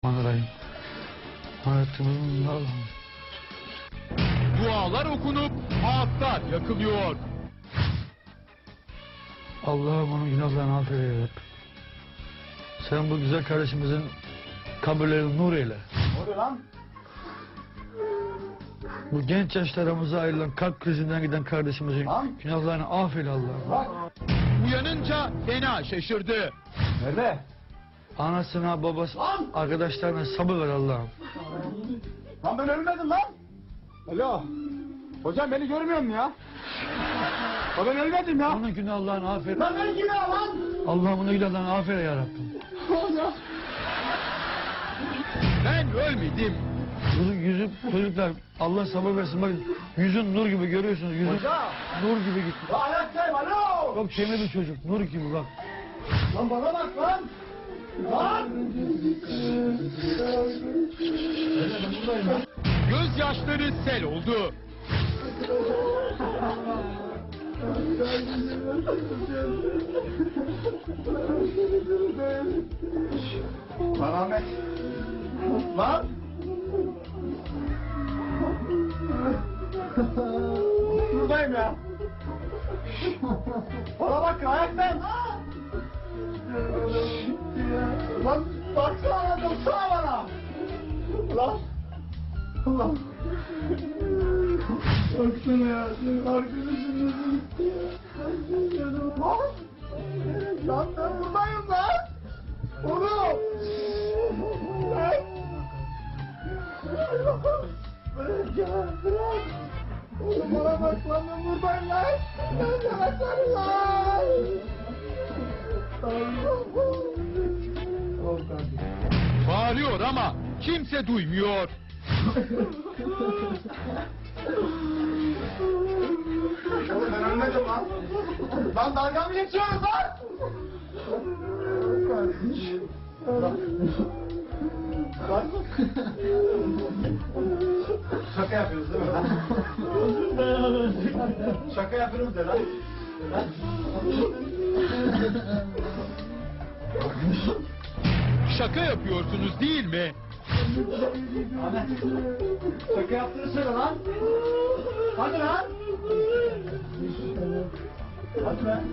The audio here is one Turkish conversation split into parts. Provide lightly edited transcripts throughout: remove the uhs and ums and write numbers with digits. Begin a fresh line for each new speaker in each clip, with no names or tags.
Bismillahirrahmanirrahim. Hayatımın Allah'ım.
Dualar okunup ağıtlar yakılıyor.
Allah'ım onun günahlarını affeyle. Sen bu güzel kardeşimizin kabirlerini nur eyle.
Ne oluyor lan?
Bu genç yaşlarımıza ayrılan kalp krizinden giden kardeşimizin
Lan.
günahlarını affeyle Allah'ım.
Bak.
Uyanınca fena şaşırdı.
Nerede?
Anasına, babası,
Lan.
arkadaşlarına sabır ver Allah'ım.
Lan ben ölmedim lan. Alo. Hocam beni görmüyor musun ya? Ya ben ölmedim ya.
Onun günahlarını affeyle.
Lan ben kim ya lan?
Allah'ım onun günahlarını affeyle ya Rabbim.
Hocam.
Ben ölmedim.
Yüzü çocuklar Allah sabır versin. Bakın yüzün nur gibi görüyorsunuz. Yüzün
Hocam.
nur gibi gitti.
Lan ayaktayım alo.
Çok temiz bir çocuk. Nur gibi bak.
Lan bana bak lan. Lan.
Gözyaşları sel oldu.
Lan Ahmet. Lan. Buradayım ya. Bana bak ayaktayım. Lan baksana lan baksana bana. Lan. Lan. Baksana ya. Senin arkadaşın nasıl gitti ya. Lan. Lan ben buradayım lan. Oğlum. Lan. Bırak ya bırak. Oğlum bana bak lan ben buradayım lan. Ben de bakarım lan. Tamam kardeşim.
Bağırıyor ama kimse duymuyor.
Oğlum ben ölmedim lan. Lan dalga mı geçiyoruz lan? Kardeşim. Lan. Şaka yapıyoruz değil mi lan? Şaka yapıyoruz de lan.
Şaka yapıyorsunuz değil mi?
Ahmet. Şaka yaptığını söyle lan. Hadi lan. Hadi lan.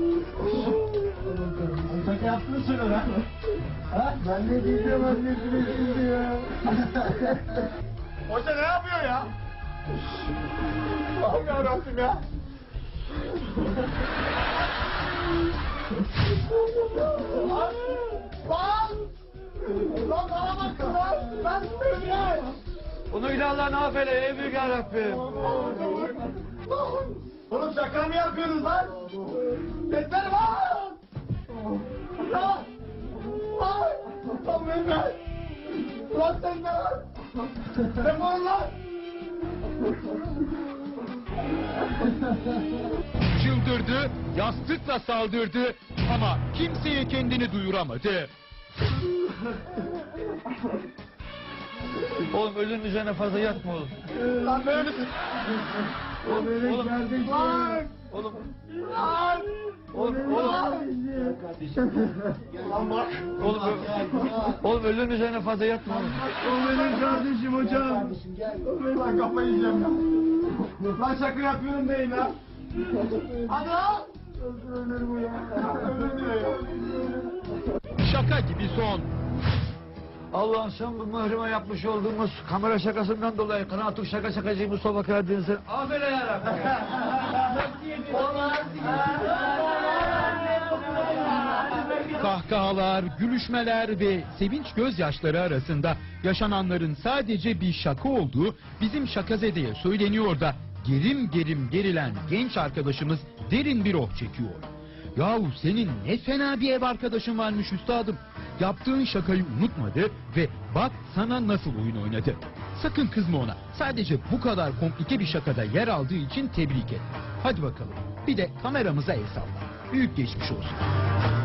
Şaka yaptığını söyle lan. Ha? Ben ne diyeceğim annesine şimdi ya. Hoca ne yapıyor ya? Allah'ım yarabbim ya. Lan! Lan! Lan bana bakın lan! Ben söyleyeyim!
Onun günahlarını affeyle ey büyük ya Rabbim.
Oğlum şaka mı yapıyorsunuz lan? Yeter lan! Lan! Lan! Lan Mehmet! Lan sen ne lan? Defol lan!
Çıldırdı, yastıkla saldırdı ama kimseye kendini duyuramadı.
Oğlum ölünün üzerine fazla yatma oğlum.
Lan böyle misin?
Oğlum.
Lan!
Oğlum.
Lan!
Oğlum.
Lan bak!
Oğlum ölünün üzerine fazla yatma oğlum.
O benim kardeşim hocam. Lan kafayı yiyeceğim ya. Lan şaka yapıyorum değil lan. Hadi lan. Ölür bu ya. Ölür diyor ya.
Şaka gibi son.
Allah'ım sen bu mührime yapmış olduğumuz kamera şakasından dolayı Kanaatük şaka şakacı Mustafa Karadeniz'in affeyle ya Rabbim.
Kahkahalar, gülüşmeler ve sevinç gözyaşları arasında yaşananların sadece bir şaka olduğu bizim Şakazede'ye söyleniyor da gerim gerim gerilen genç arkadaşımız derin bir oh çekiyor. Yahu senin ne fena bir ev arkadaşın varmış üstadım. Yaptığın şakayı unutmadı ve bak sana nasıl oyun oynadı. Sakın kızma ona. Sadece bu kadar komplike bir şakada yer aldığı için tebrik et. Hadi bakalım. Bir de kameramıza el salla. Büyük geçmiş olsun.